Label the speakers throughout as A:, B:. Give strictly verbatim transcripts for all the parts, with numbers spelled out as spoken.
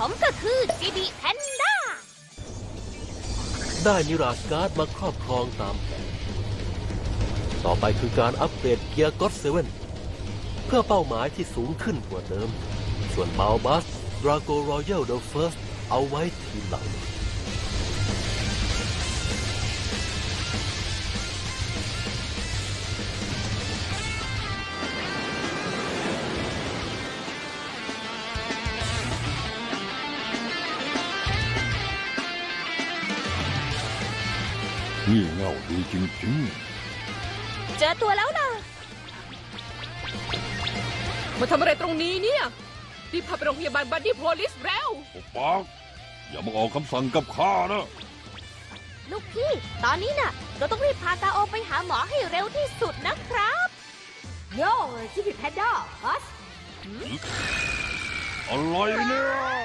A: ผมก็คือ จี บี Panda
B: ได้นิราชการ์ดมาครอบครองตามแผนต่อไปคือการอัปเกรดเกียร์ก็อดเซเว่นเพื่อเป้าหมายที่สูงขึ้นกว่าเดิม ส่วนบาลบัสดราโกรอยัลเดอะเฟิร์สเอาไว้ทีหลัง
C: นี่เง่าดีจริง
A: เจอตัวแล้วล่ะ
D: มาทำอะไรตรงนี้เนี่ยรีบพาไปโรงพยาบาลบัดดี้โพลิสเร็ว
C: ๆปกปักอย่ามาออกคำสั่งกับข้านะ
A: ลูกพี่ ตอนนี้น่ะ เราต้องรีบพากาโอไปหาหมอให้เร็วที่สุดนะครับโย่จิบิแพนด้าฮัส
C: อะไรเนี่ย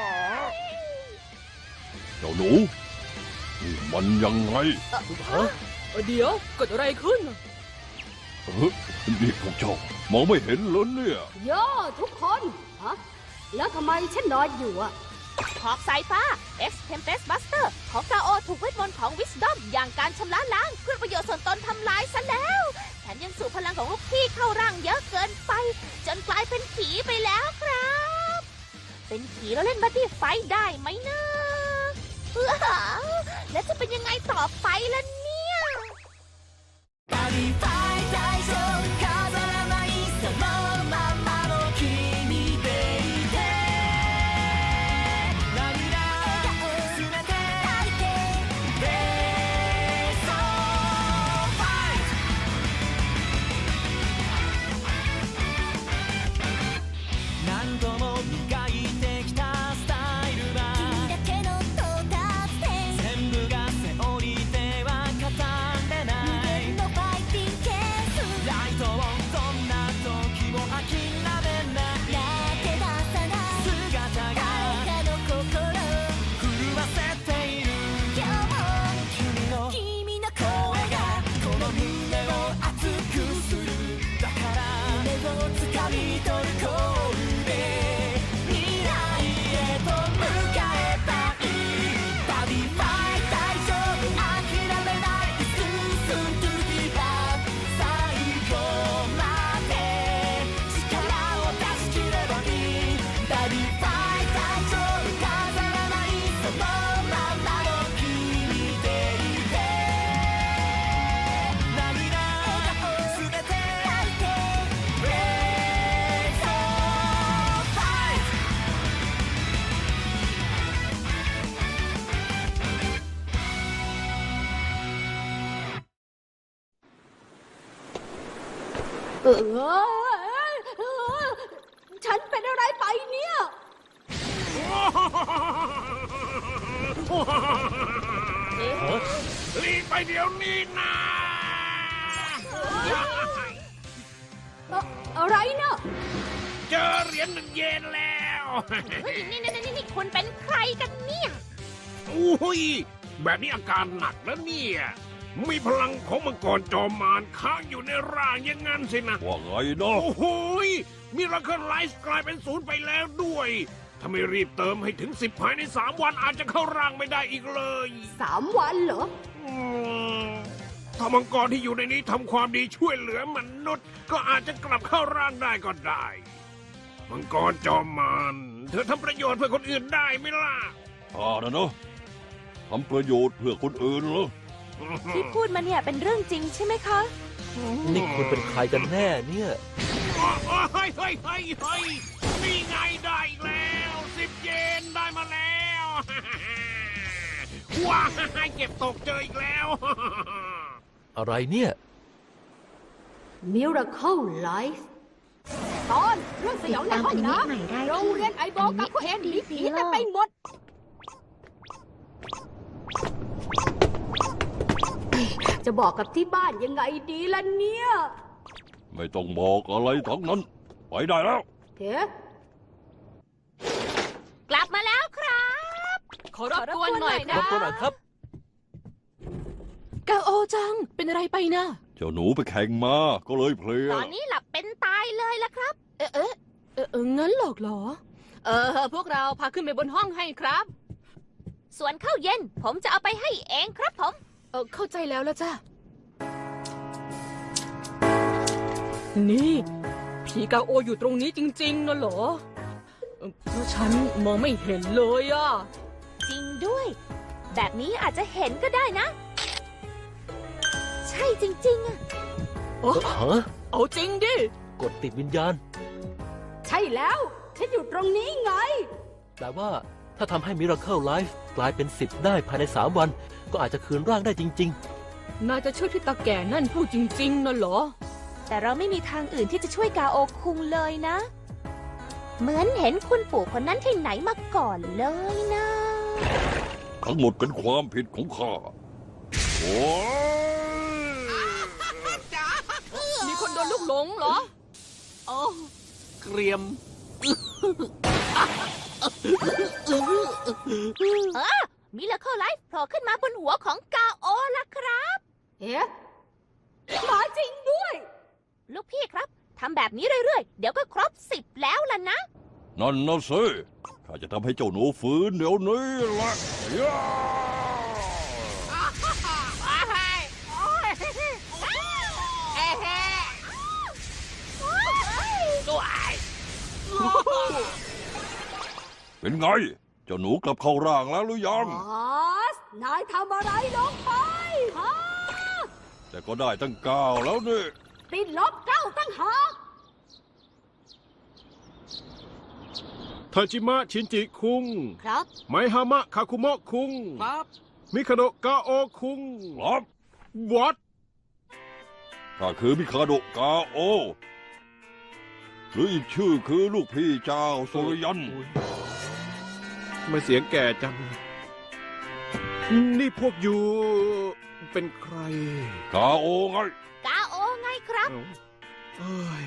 C: เจ้าหนูนี่มันยังไง
B: ฮะ
D: เดี๋ยวเกิดอะไรขึ้น
C: เฮ้ยนี่พวกเจ้ามองไม่เห็นเลยเนี่ย
A: โย่ทุกคนฮะแล้วทำไมฉันนอนอยู่อะหอกสายฟ้า X Tempest Buster ของกาโอถูกเวทมนต์ของ Wisdom อย่างการชำระล้างเพื่อประโยชน์ส่วนตนทำลายซะแล้วแถมยังสูบพลังของลูกพี่เข้าร่างเยอะเกินไป จนกลายเป็นผีไปแล้วครับ เป็นผีแล้วเล่นบัดดี้ไฟท์ได้ไหมนะเอ้อแล้วจะเป็นยังไงต่อไปล่ะเนี่ย
E: 何度も磨いてきたスタイルは君だけの到達点全部がセオリーでは語れない無限のファイティングケースライトをどんな時も諦めないやって出さない姿が誰かの心震わせている今日も君の君の声がこの胸を熱くするだから夢をつかみ取るコール
A: เออฉันเป็นอะไรไปเนี่ย
F: รีบไปเดี๋ยวนี้นะ
A: อะไรเนาะ
F: เจอเหรียญหนึ่งเยนแล้ว
A: เฮ้ยนี่นี่นี่นี่คุณเป็นใครกันเนี่ย
F: อุ้ยแบบนี้อาการหนักแล้วเนี่ย มีพลังของมังกรจอมมารค้างอยู่ในร่างอย่างนั้นสินะ
C: ว่าไงเนาะ
F: โอ้โหยมีราคาไลฟ์กลายเป็นศูนย์ไปแล้วด้วย ถ้าไม่รีบเติมให้ถึงสิบภายในสามวันอาจจะเข้าร่างไม่ได้อีกเลย
A: สามวันเหรอ
F: อืมถ้ามังกรที่อยู่ในนี้ทำความดีช่วยเหลือมนุษย์ ก็อาจจะกลับเข้าร่างได้ก็ได้ มังกรจอมมารเธอทำประโยชน์เพื่อคนอื่นได้ไหมล่ะ
C: ข้านะเนาะทำประโยชน์เพื่อคนอื่นเหรอ
A: ที่พูดมาเนี่ยเป็นเรื่องจริงใช่ไหมคะ
B: นี่คุณเป็นใครกันแน่เนี่ย
F: เฮ้ยเฮ้ยเฮ้ยเฮ้ยนี่ไงได้อีกแล้วสิบเยนได้มาแล้ว ว้ายเก็บตกเจออีกแล้ว
B: อะไรเนี่ย
A: Miracle Life ตอนเรื่องสยองในห้องน้ำโรงเรียนไอโบกับพวกเอ็นผีผีเต็มไปหมด จะบอกกับที่บ้านยังไงดีล่ะเนี่ย
C: ไม่ต้องบอกอะไรทั้งนั้น ไปได้แล้ว
A: เฮ้กลับมาแล้วครับ
D: ขอรบกวนหน่อย
B: ร
D: นะ
B: บกวนหน่อยครับ
D: กาโอจัง เป็นอะไรไปนะ
C: เจ้าหนูไปแข่งมาก็เลยเพลีย
A: ตอนนี้หลับเป็นตายเลยละครับ
D: เอ๊ะเอ๊ะเอ๊ะเอ๊ะงั้นหรอกเหรอเออ พวกเราพาขึ้นไปบนห้องให้ครับ
A: ส่วนข้าวเย็นผมจะเอาไปให้เองครับผม
D: เออเข้าใจแล้วละจ้ะ นี่ ผีกาโออยู่ตรงนี้จริงๆนะเหรอเอ่อเพราะฉันมองไม่เห็นเลยอะ
A: จริงด้วย แบบนี้อาจจะเห็นก็ได้นะ ใช่จริงๆอะ
D: โอ้
B: ฮะ
D: เอาจริงดิ
B: กดติดวิญญาณ
G: ใช่แล้ว ฉันอยู่ตรงนี้ไง
B: แต่ว่าถ้าทำให้ Miracle Life กลายเป็นสิบได้ภายในสามวัน ก็อาจจะคืนร่างได้จริง
D: นายจะเชื่อที่ตาแก่นั่นพูดจริงๆนะเหรอ
A: แต่เราไม่มีทางอื่นที่จะช่วยกาโอคุงเลยนะ เหมือนเห็นคุณปู่คนนั้นที่ไหนมาก่อนเลยนะ
C: ทั้งหมดเป็นความผิดของข้า โอ้ย
D: มีคนโดนลูกหลงเหรอ
B: ๆ อ๋อ เกรียม
A: เออมิราเคิลไลฟ์โผล่ขึ้นมาบนหัวของกาโอละครับ
G: เอ๊ะหมาจริงด้วย
A: ลูกพี่ครับทำแบบนี้เรื่อยๆ เดี๋ยวก็ครบสิบแล้วล่ะนะ
C: นั่นนะสิข้าจะทำให้เจ้าหนูฟื้นเดี๋ยวนี้แหละย่า เป็นไง เจ้าหนูกลับเข้าร่างแล้วหรือยัง
G: บอส นายทำอะไรลงไปฮะ
C: แต่ก็ได้ตั้งเก้าแล้วนี่
G: ติดลบเก้าตั้งหาก
F: ทาจิมะชินจิคุง
A: ครับ
F: ไมฮามะคาคุโมะคุง
B: ครับ
F: มิคาโดะกาโอคุง
C: ครับ
F: วัด
C: ข้าคือมิคาโดะกาโอ หรืออีกชื่อคือลูกพี่เจ้าสุริยัน
F: มาเสียงแก่จัง นี่พวกอยู่เป็นใคร
C: กาโอไง
A: กาโอไงครับ
F: เอ้าเอ้ย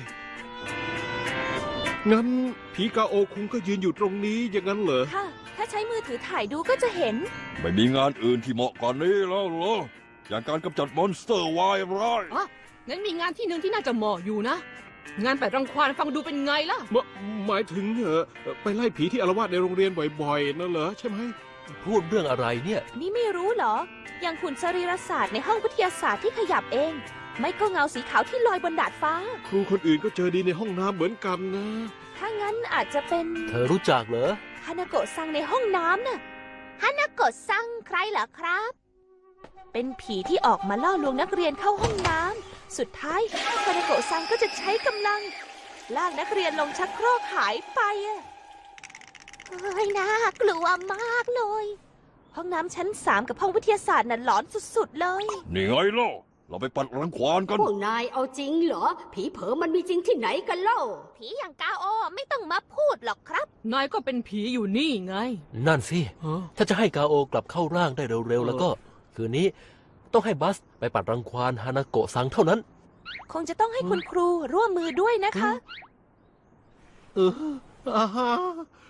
F: งั้นผีกาโอคุงก็ยืนอยู่ตรงนี้อย่างนั้นเหรอ
A: ค่ะ ถ้าใช้มือถือถ่ายดูก็จะเห็น
C: ไม่มีงานอื่นที่เหมาะกว่านี้แล้วเหรอ อย่างการกำจัดมอนสเตอร์วายร้าย
D: อ๋อ งั้นมีงานที่หนึ่งที่น่าจะเหมาะอยู่นะ งานแปดรังควานฟังดูเป็นไงล่ะ
F: หมหมายถึงเหรอไปไล่ผีที่อารวาสในโรงเรียนบ่อยๆนั่นเหรอใช่ไหม
B: พูดเรื่องอะไรเนี่ย
A: นี่ไม่รู้เหรอ อย่างหุ่นสรีรศาสตร์ในห้องวิทยาศาสตร์ที่ขยับเอง ไม่ก็เงาสีขาวที่ลอยบนดาดฟ้า
F: ครูคนอื่นก็เจอดีในห้องน้ำเหมือนกันนะ
A: ถ้างั้นอาจจะเป็น
B: เธอรู้จักเหรอ
A: ฮานาโกะซังในห้องน้ำน่ะฮานาโกะซังใครเหรอครับ เป็นผีที่ออกมาล่อลวงนักเรียนเข้าห้องน้ำสุดท้ายฮานาโกะซังก็จะใช้กำลังลากนักเรียนลงชักโครกหายไปอะเฮ้ยน่ากลัวมากเลย ห้องน้ำชั้นสามกับห้องวิทยาศาสตร์น่ะหลอนสุดๆเลย
C: นี่ไงล่ะ เราไปปัดรังควานกัน
G: พวกนายเอาจริงเหรอ ผีเผลอมันมีจริงที่ไหนกันเล่า
A: ผีอย่างกาโอไม่ต้องมาพูดหรอกครับ
D: นายก็เป็นผีอยู่นี่ไง
B: นั่นสิ
F: ฮะ
B: ถ้าจะให้กาโอกลับเข้าร่างได้เร็วๆ แล้วก็ คืนนี้ต้องให้บัสไปปัดรังควานฮานาโกะซังเท่านั้น
A: คงจะต้องให้คุณครูร่วมมือด้วยนะคะ
F: เอออาฮะ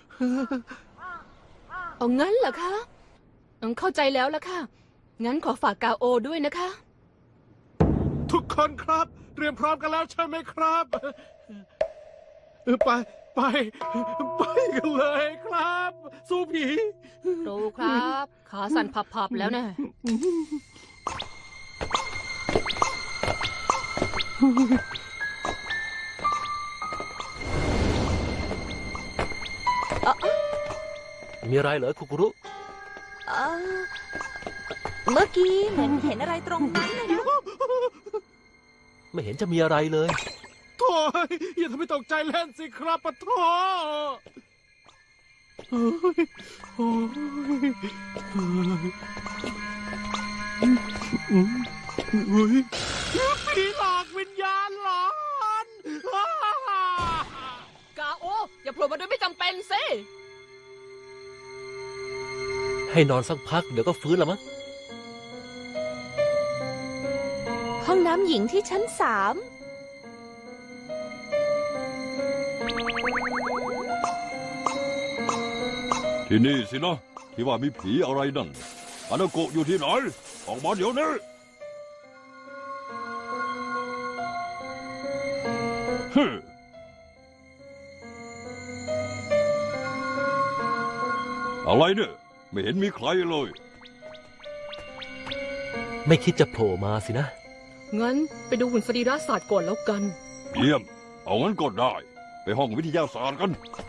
D: เอางั้นเหรอคะอืมเข้าใจแล้วละค่ะ งั้นขอฝากกาโอด้วยนะคะ
F: ทุกคนครับ เตรียมพร้อมกันแล้วใช่ไหมครับเออไปไป ไปกันเลยครับ สู้ผี
D: ครูครับ ขาสั่นพับๆแล้วนะ
B: มีอะไรเหรอคุกุรุ
A: เออเมื่อกี้เหมือนเห็นอะไรตรงนั้นเลยนะ
B: ไม่เห็นจะมีอะไรเลย
F: โถ่อย่าทำให้ตกใจเล่นสิครับปะโถ่เฮ้ยโอ้ยเฮ้ยเฮ้ยผีหลอกวิญญาณหลอน
D: กาโอ อย่าโผล่มาโดยไม่จำเป็นสิ
B: ให้นอนสักพักเดี๋ยวก็ฟื้นแล้วมั้ง
A: ห้องน้ำหญิงที่ชั้นสาม
C: ที่นี่สินะ ที่ว่ามีผีอะไรนั่นฮานาโกะอยู่ที่ไหน ออกมาเดี๋ยวนี้ฮึอะไรเนี่ยไม่เห็นมีใครเลย
B: ไม่คิดจะโผล่มาสินะ
D: งั้นไปดูหุ่นสรีระศาสตร์ก่อนแล้วกัน
C: เยี่ยม เอางั้นก็ได้ ไปห้องวิทยาศาสตร์กัน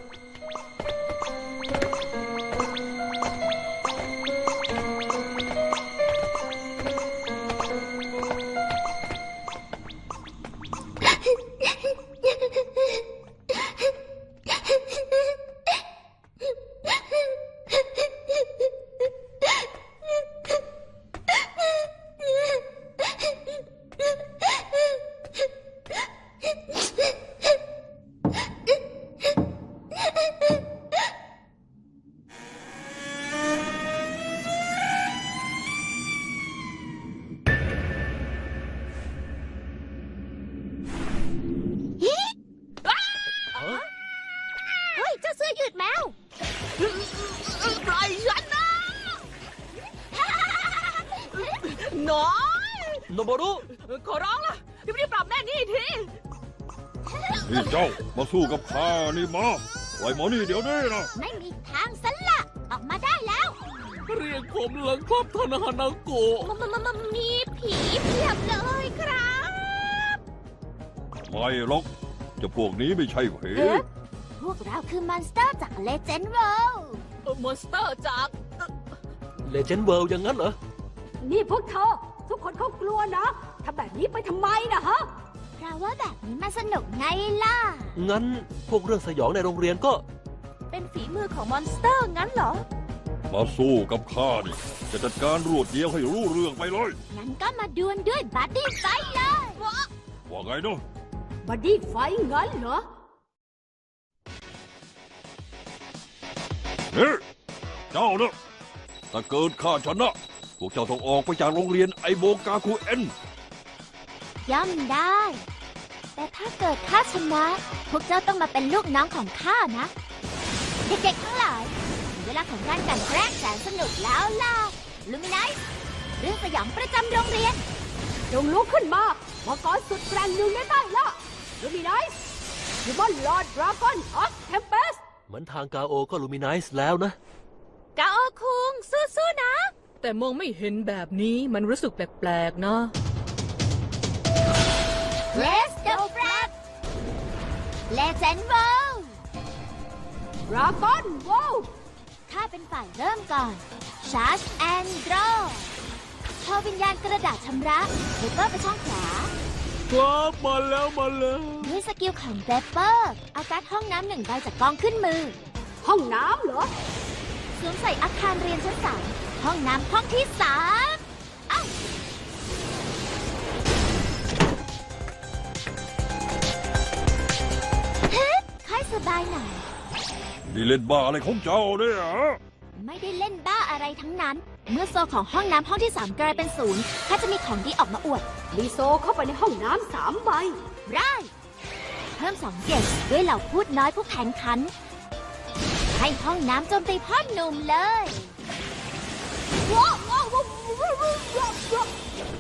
A: เฮ้ย เจ้าเสื้อยืดแมว
D: ปล่อยฉันนะน้อย
B: โนโบรุ
D: ขอร้องล่ะรีบๆปรับแม่นี่ที
C: นี่เจ้ามาสู้กับข้านี่มาปล่อยหมอนี่เดี๋ยวนี้นะ
A: ไม่มีทางสละออกมาได้แล้ว
D: เรียกผมเลยครับท่านฮานาโกะ
A: มันมันมันมีผีเพียบเลยครับ
C: ไม่หรอกเจะพวกนี้ไม่ใช่ผี
A: พวกเราคือมอนสเตอร์จากเลเจนด์เวิลด์
D: มอนสเตอร์จาก
B: เลเจนด์เวิลด์อย่างนั้นเหรอ
G: นี่พวกเธอ ทุกคนเขากลัวนะทำแบบนี้ไปทำไมนะฮะ
A: เพราะว่าแบบนี้มันสนุกไงล่ะ
B: งั้นพวกเรื่องสยองในโรงเรียนก็
A: เป็นฝีมือของมอนสเตอร์งั้นเหรอ
C: มาสู้กับข้านี่จะจัดการรวดเดียวให้รู้เรื่องไปเลย
A: งั้นก็มาดวลด้วยบัดดี้ไฟท์เลย
C: ว่าไงเนาะ
G: บัดดี้ไฟท์งั้นเหรอ
C: เฮ้ยเจ้าเนาะถ้าเกิดข้าชนะพวกเจ้าต้องออกไปจากโรงเรียนไอโบกาคูเอ็น
A: ย่อมได้ แต่ถ้าเกิดข้าชนะ พวกเจ้าต้องมาเป็นลูกน้องของข้านะ เด็กๆทั้งหลายถึงเวลาของการกลั่นแกล้งแสนสนุกแล้วล่ะ ลูมินไนซ์เรื่องสยองประจำโรงเรียน
G: จงลุกขึ้นมามังกรสุดแกร่งหนึ่งในใต้ละลูมินไนซ์ยูมอนลอร์ดดราก้อนออฟเทมเปส
B: เหมือนทางกาโอก็ลูมินไนซ์แล้วนะ
A: กาโอคุงสู้ๆนะ
D: แต่มองไม่เห็นแบบนี้มันรู้สึกแปลกๆนะ
A: Let's go Brad Legend World
G: ดราก้อนโวล
A: ข้าเป็นฝ่ายเริ่มก่อน Charge and Draw พอวิญญาณกระดาษชำระเปเปอร์ไปช่องขวา
D: ครับมาแล้วมาแล้ว
A: ด้วยสกิลของเปเปอร์เอาการ์ดห้องน้ำหนึ่งใบจากกองขึ้นมือ
G: ห้องน้ำเหรอ
A: สวมใส่อาคารเรียนชั้นสามห้องน้ำห้องที่สามเอ้าเฮ้ยค่อยสบายหน่อย
C: นี่เล่นบ้าอะไรของเจ้าเนี่ยฮะ
A: ไม่ได้เล่นบ้าอะไรทั้งนั้น เมื่อโซของห้องน้ำห้องที่สามกลายเป็นศูนย์ข้าจะมีของดีออกมาอวด
G: มีโซเข้าไปในห้องน้ำสามใบ
A: ได้เพิ่มสองเกจด้วยเหล่าพูดน้อยผู้แข่งขัน ให้ห้องน้ำโจมตีพ่อหนุ่มเลยว้าวว้าวว้าวว้าวว้าว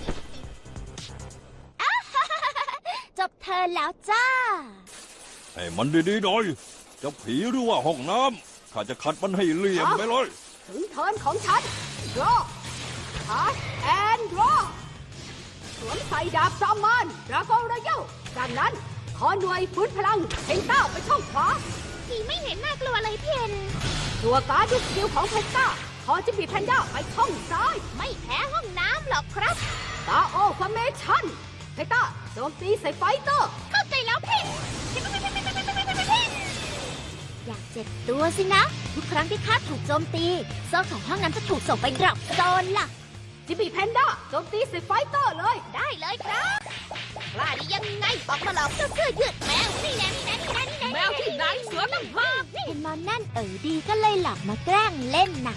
A: อ้าฮ่าฮ่าฮ่าจบเธอแล้วจ้า
C: ให้มันดีๆหน่อยจะผีหรือว่าห้องน้ำข้าจะขัดมันให้เหลี่ยมไปเลย
G: ถึงเทิร์นของฉัน draw charge and draw สวมใส่ดาบจอมมารดราก้อนรอยัลจากนั้นขอหน่วยฟื้นพลังเพนต้าไปช่องขวา
A: ผีไม่เห็นน่ากลัวเลยเพียน
G: ตัวการ์ดสกิลของเพนต้าขอจะบีแพนด้าไปช่องซ้าย
A: ไม่แพ้ห้องน้ำหรอกครับ
G: ตาโอฟอร์เมชั่นเพนต้าโจมตีใส่ไฟเตอร์
A: เข้าใจแล้วเพ่นอยากเจ็บตัวสินะ ทุกครั้งที่ข้าถูกโจมตีโซ่ของห้องน้ำจะถูกส่งไปดรอปโซนล่ะ
G: จิบีแพนด้าโจมตีใส่ไฟเตอร์เลย
A: ได้เลยครับกล้าได้ยังไงออกมาหลอกเจ้าเสื้อยืดแมวนี่แน่นี่แน่นี่แน่นี่แน่
D: แมวที่ไหนเสือตั้งหาก
A: เห็นมอนนั่นเอ๋อดีก็เลยหลับมาแกล้งเล่นน่ะ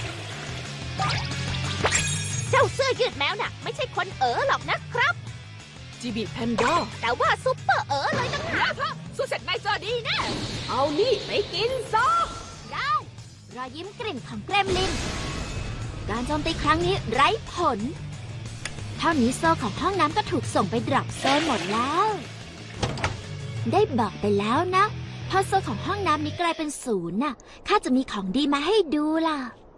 A: เจ้าเสื้อยืดแมวน่ะ ไม่ใช่คนเอ๋อหรอกนะครับ
D: จีบีแพนด้า
A: แต่ว่าซุปเปอร์เอ๋อเลยตั้งหาก
D: สู้เสร็จนายเจอดีแน่
G: เอานี่ไปกินซะ
A: ได้รอยยิ้มกลิ่นของเกรมลิน การโจมตีครั้งนี้ไร้ผล เท่านี้โซ่ของห้องน้ำก็ถูกส่งไปดรอปโซนหมดแล้ว ได้บอกไปแล้วนะ
H: พอโซลของห้องน้ำนี้กลายเป็นศูนย์น่ะข้าจะมีของดีมาให้ดูล่ะ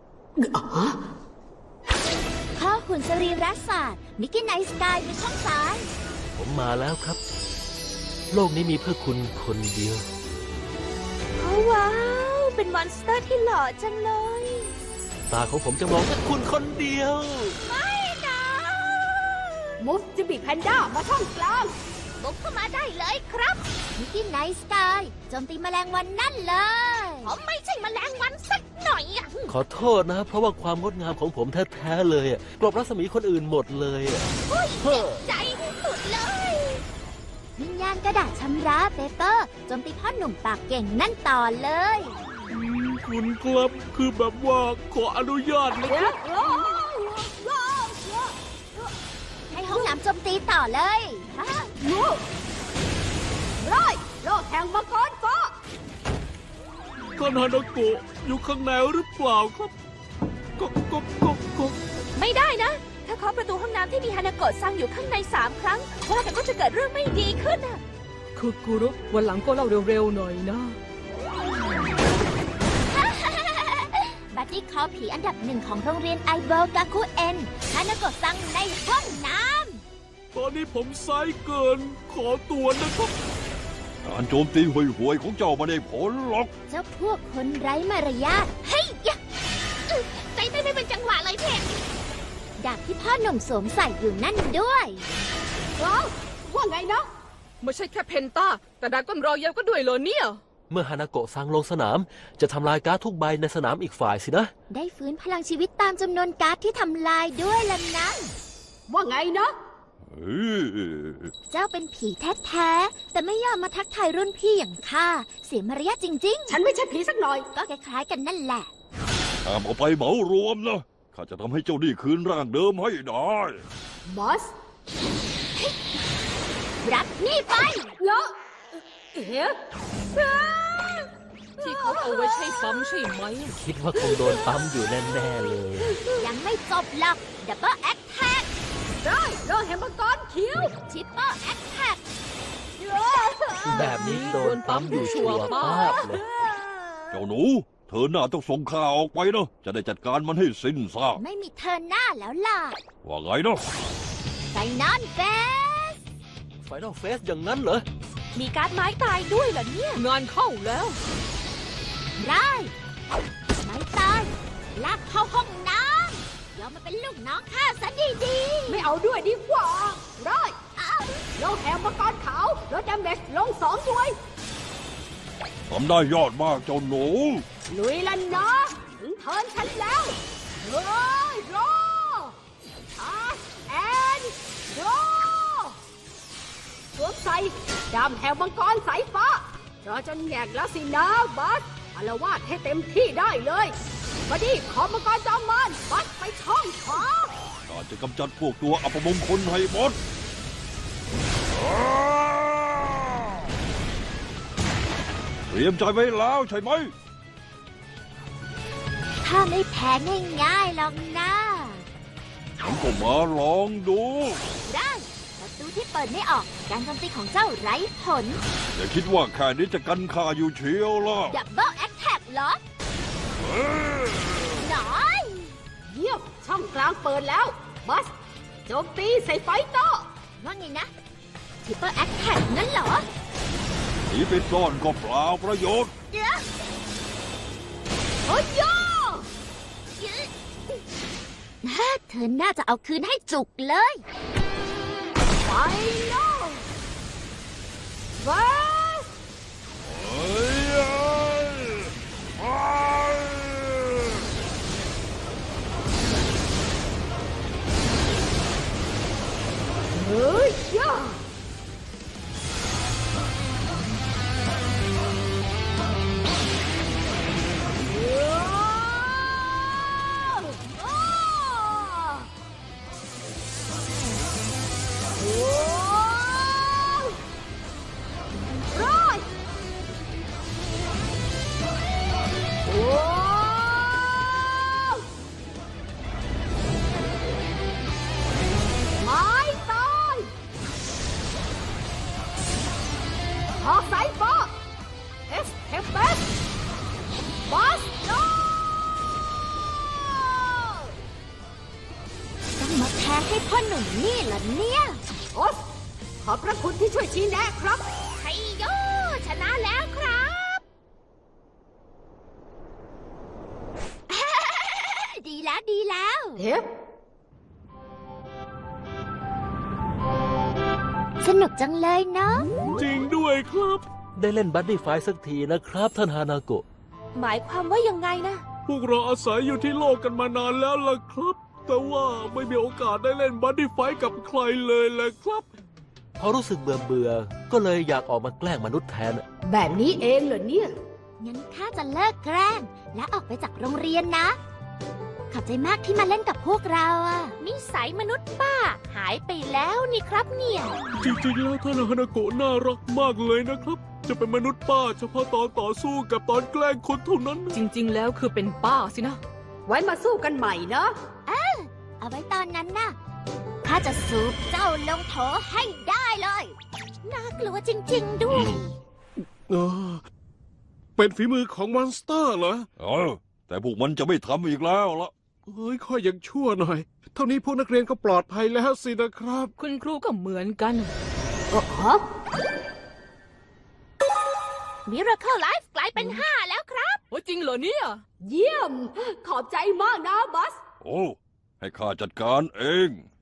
H: ข้อหุ่นสรีรศาสตร์มิกกี้ไนท์สกายในช่องซ้าย
B: ผมมาแล้วครับ โลกนี้มีเพื่อคุณคนเดียว
A: ว้าว เป็นมอนสเตอร์ที่หล่อจังเลย
B: ตาของผมจะมองแค่คุณคนเดียว
A: ไม่นะ
G: มุฟจะบีแพนด้ามาช่องกลาง
A: บุกเข้ามาได้เลยครับ
H: มิกกี้ไนท์สกายโจมตีแมลงวันนั่นเลย
A: ผมไม่ใช่แมลงวันสักหน่อยอะ
B: ขอโทษนะ เพราะว่าความงดงามของผมแท้ๆเลยอะกลบรัศมีคนอื่นหมดเลยอะ
A: อุ้ยเจ็บใจสุดเลย
H: วิญญาณกระดาษชำระเปเปอร์โจมตีพ่อหนุ่มปากเก่งนั่นต่อเลย
F: คุณครับคือแบบว่าขออนุญาตนะ
H: ให้ห้องน้ำโจมตีต่อเลยฮะ
G: งูร้อยโลกแห่งมังกรฟ้า
F: ท่านฮานาโกะอยู่ข้างในหรือเปล่าครับก็ก็ก็ก็
A: ไม่ได้นะ ถ้าเคาะประตูห้องน้ำที่มีฮานาโกะซังอยู่ข้างในสามครั้งว่าแต่ก็จะเกิดเรื่องไม่ดีขึ้นอะ
D: คือกุรุวันหลังก็เล่าเร็วๆหน่อยนะ
H: บัดดี้คอผีอันดับหนึ่งของโรงเรียนไอเบิลกาคุเอ็นฮานาโกะซังในห้องน้
F: ตอนนี้ผมไซส์เกินขอตัวนะครับ
C: การโจมตีห่วยๆของเจ้าไม่ได้ผลหรอก
H: ำเจ้าพวกคนไร้มารยาทเฮ้ยยะ
A: ใจเต้นไม่เป็นจังหวะเลยเพจ
H: ดาบที่พ่อหนุ่มสวมใส่อยู่นั่นด้วย
G: ว้าวว่าไงนะ
D: ไม่ใช่แค่เพนต้า แต่ดราก้อนรอยัลก็ด้วยเหรอเนี่ย
B: เมื่อฮานาโกะซังลงสนาม จะทำลายการ์ดทุกใบในสนามอีกฝ่ายสินะ
H: ได้ฟื้นพลังชีวิตตามจำนวนการ์ดที่ทำลายด้วยล่ะนะ
G: ว่าไงนะ
C: เฮ้ย
H: เจ้าเป็นผีแท้ๆแต่ไม่ยอมมาทักทายรุ่นพี่อย่างข้าเสียมารยาทจริง
G: ฉันไม่ใช่ผีสักหน่อย
H: ๆ ก็คล้ายๆกันนั่นแหละ
C: ห้ามเอาไปเหมารวมนะ ข้าจะทำให้เจ้านี่คืนร่างเดิมให้ได้
G: บอส
H: รับนี่ไป
G: แล้วเอ๊ะ
D: ที่เขาเอาไว้ใช้ปั๊มใช่ไหม
B: คิดว่าคงโดนปั๊มอยู่แน่ๆเลย
H: ยังไม่จบหรอกดับเบิลแอคแท็ก
G: ได้โลกแห่งมังกรคิว
H: ทริปเปิลแอคแท็ก
B: แบบนี้โดนปั๊มอยู่ชัวร์ป้าบเลย
C: เจ้าหนู เธอหน้าต้องส่งข่าวออกไปนะ จะได้จัดการมันให้สิ้นซาก
H: ไม่มีเธอหน้าแล้วล่ะ
C: ว่าไงนะ
H: ไฟนอลเฟส
B: ไฟนอลเฟสอย่างนั้นเหรอ
A: มีการ์ดไม้ตายด้วยเหรอเนี่ย
D: งานเข้าแล้ว
H: ได้ไม่ตายลากเข้าห้องน้ำยอมมาเป็นลูกน้องข้าซะดี
G: ไม่เอาด้วยดีกว่าร้อย
H: ๆอ้าว
G: โลกแห่งมังกรขาวลดดาเมจลงสองหน่วย
C: ทำได้ยอดมากเจ้าหนู
G: ลุยแล้วนะ ถึงเทิร์นฉันแล้วเฮ้ยรอชาร์จแอนด์รอสวมใส่ดำแห่งมังกรสายฟ้ารอจนแงกแล้วสินะบัสอารวาดให้เต็มที่ได้เลยบัดดี้ขอมังกรจอมมารบัสไปช่องขวา
C: การจะกำจัดพวกตัวอัปมงคลให้หมด เตรียมใจไว้แล้วใช่ไหม
H: ถ้าไม่แพ้ง่ายๆหรอกนะ
C: ฉันก็มาลองดู
H: ได้ประตูที่เปิดไม่ออกการโจมตีของเจ้าไร้ผล
C: อย่าคิดว่าแค่นี้จะกันข้าอยู่เชียวล่ะ
H: ดับเบิลแอคแท็กเหรอหน่อย
G: เยี่ยมช่องกลางเปิดแล้วบัสโจมตีใส่ไฟเตอร์
H: ว่าไงนะทริปเปิลแอคแท็กนั่นเหรอ
C: หนีไปซ่อนก็เปล่าประโยชน์
H: เดี๋ยว
G: โอ้ยโย
H: เธอน่าจะเอาคืนให้จุกเลย
G: ไฟนอลบัส
C: เฮ้ยเฮ้ย
G: เฮ้ยโย
H: อพ่อหนุ่มนี่เหรอเนี่ย
G: โอ๊ยขอบพระคุณที่ช่วยชี้แนะครับ
A: ชัยโย ชนะแล้วครับ
H: ดีแล้วดีแล้ว
G: เฮ้ย
H: สนุกจังเลยเนาะ
D: จริงด้วยครับ
B: ได้เล่นบัดดี้ไฟท์สักทีนะครับ ท่านฮานาโกะ
A: หมายความว่ายังไงนะ
D: พวกเราอาศัยอยู่ที่โลกกันมานานแล้วล่ะครับ แต่ว่าไม่มีโอกาสได้เล่นบัดดี้ไฟท์กับใครเลยแหละครับ
B: พอรู้สึกเบื่อเบื่อๆก็เลยอยากออกมาแกล้งมนุษย์แทน
G: แบบนี้เองเหรอเนี่ย
H: งั้นข้าจะเลิกแกล้ง และออกไปจากโรงเรียนนะ ขอบใจมากที่มาเล่นกับพวกเราอะ
A: นิสัยมนุษย์ป้า หายไปแล้วนี่ครับเนี่ย
D: จริงๆแล้วท่านฮานาโกะน่ารักมากเลยนะครับ จะเป็นมนุษย์ป้าเฉพาะตอนต่อสู้กับตอนแกล้งคนเท่านั้น
I: จริง ๆ แล้วคือเป็นป้าสินะ
G: ไว้มาสู้กันใหม่นะ
H: เอาไว้ตอนนั้นนะข้าจะสูบเจ้าลงโถให้ได้เลย น่ากลัวจริง ๆ ด้วย
F: เออเป็นฝีมือของมอนสเตอร์เหรอ
C: เออ แต่พวกมันจะไม่ทำอีกแล้วละ
F: เฮ้ยค่อยยังชั่วหน่อย เท่านี้พวกนักเรียนก็ปลอดภัยแล้วสินะครับ
I: คุณครูก็เหมือนกัน
G: เออฮะ
A: Miracle Life กลายเป็นห้าแล้วครับ
I: โอ้จริงเหรอเนี่ย
G: เยี่ยม ขอบใจมากนะบัส
C: โอ้ ให้ข้าจัดการเอง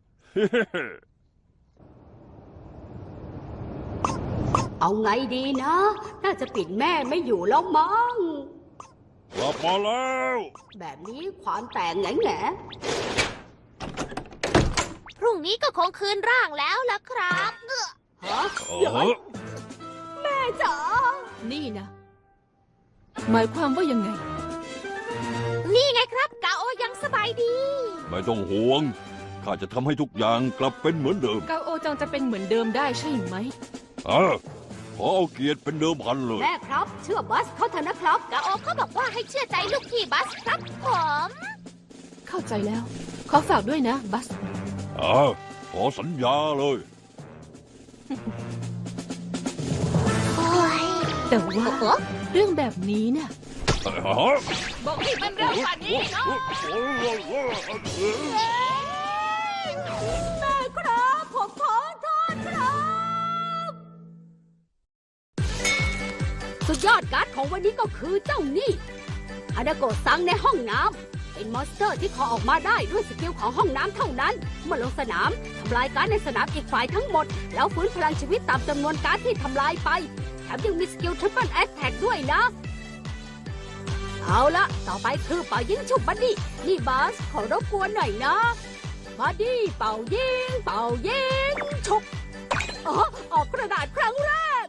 G: เอาไงดีนะ น่าจะปิดแม่ไม่อยู่แล้วมั้ง
C: กลับมาแล้ว
G: แบบนี้ความแตกแง่แง่
A: พรุ่งนี้ก็คงคืนร่างแล้วล่ะครับเอ้อ
G: ฮะ
C: เอ
G: เดี๋ยว
C: อ
G: แม่จ๋า
I: นี่นะ หมายความว่ายังไง
A: นี่ไงครับ กาโอยังสบายดี
C: ไม่ต้องห่วง ข้าจะทำให้ทุกอย่างกลับเป็นเหมือนเดิม
I: กาโอจังจะเป็นเหมือนเดิมได้ใช่ไหม
C: เออ ขอเอาเกียรติเป็นเดิมพันเลย
G: แม่ครับ เชื่อบัสเขาเถอะนะครับ
A: กาโอเขาบอกว่าให้เชื่อใจลูกพี่บัสครับผม
I: เข้าใจแล้ว ขอฝากด้วยนะ บัส
C: เออ ขอสัญญาเลย
H: โอ้ย
I: แต่ว่าเรื่องแบบนี้น่ะ
A: บอกให้มันเร็วกว่านี้เนาะ
G: แม่ครับผมขอโทษครับ สุดยอดการ์ดของวันนี้ก็คือเจ้านี่ฮานาโกะซังในห้องน้ำเป็นมอนสเตอร์ที่ขอออกมาได้ด้วยสกิลของห้องน้ำเท่านั้น เมื่อลงสนามทำลายการ์ดในสนามอีกฝ่ายทั้งหมด แล้วฟื้นพลังชีวิตตามจำนวนการ์ดที่ทำลายไปแถมยังมีสกิลทริปเปิลแอตแทกด้วยนะ เอาละต่อไปคือเป่ายิงฉุบบัดดี้นี่บัสขอรบกวนหน่อยนะบัดดี้เป่ายิงเป่ายิงฉุบอ๋อออกกระดาษครั้งแรก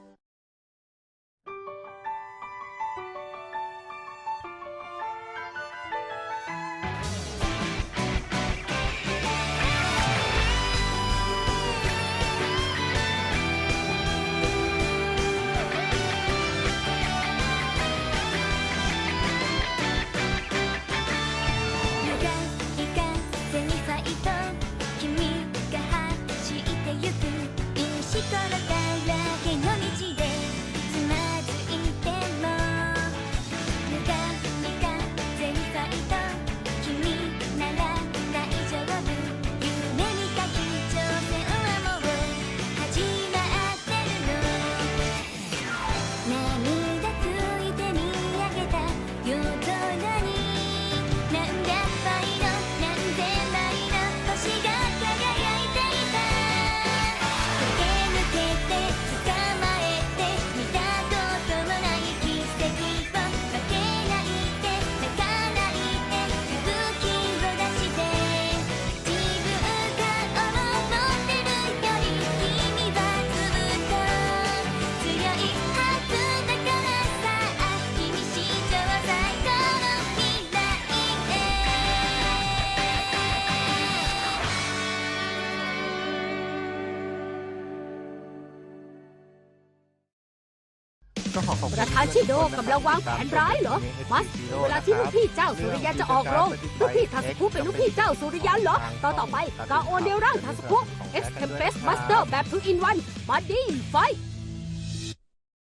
E: 無がいかぜにファイト君が走ってゆく石ころだらけの道でつまずいても無がいかぜにファイト君なら大丈夫夢見た日挑戦はもう始まってるの涙ついて見上げた夜空に何百倍の何千倍の星が輝いていた駆け抜けて捕まえて見たこともない奇跡を負けないで泣かないで勇気を出して自分が思ってるより君はずっと強いはずだからさ君史上最高の未来
G: ประธานชิโดกำลังวางแผนร้ายเหรอ มัส เวลาที่ลูกพี่เจ้าสุริยันจะออกโรงลูกพี่ทาสคุเป็นลูกพี่เจ้าสุริยันเหรอ ต่อต่อไปกาโอเนลร่างทาสคุ X Tempest Buster แบบ two in one Body Fight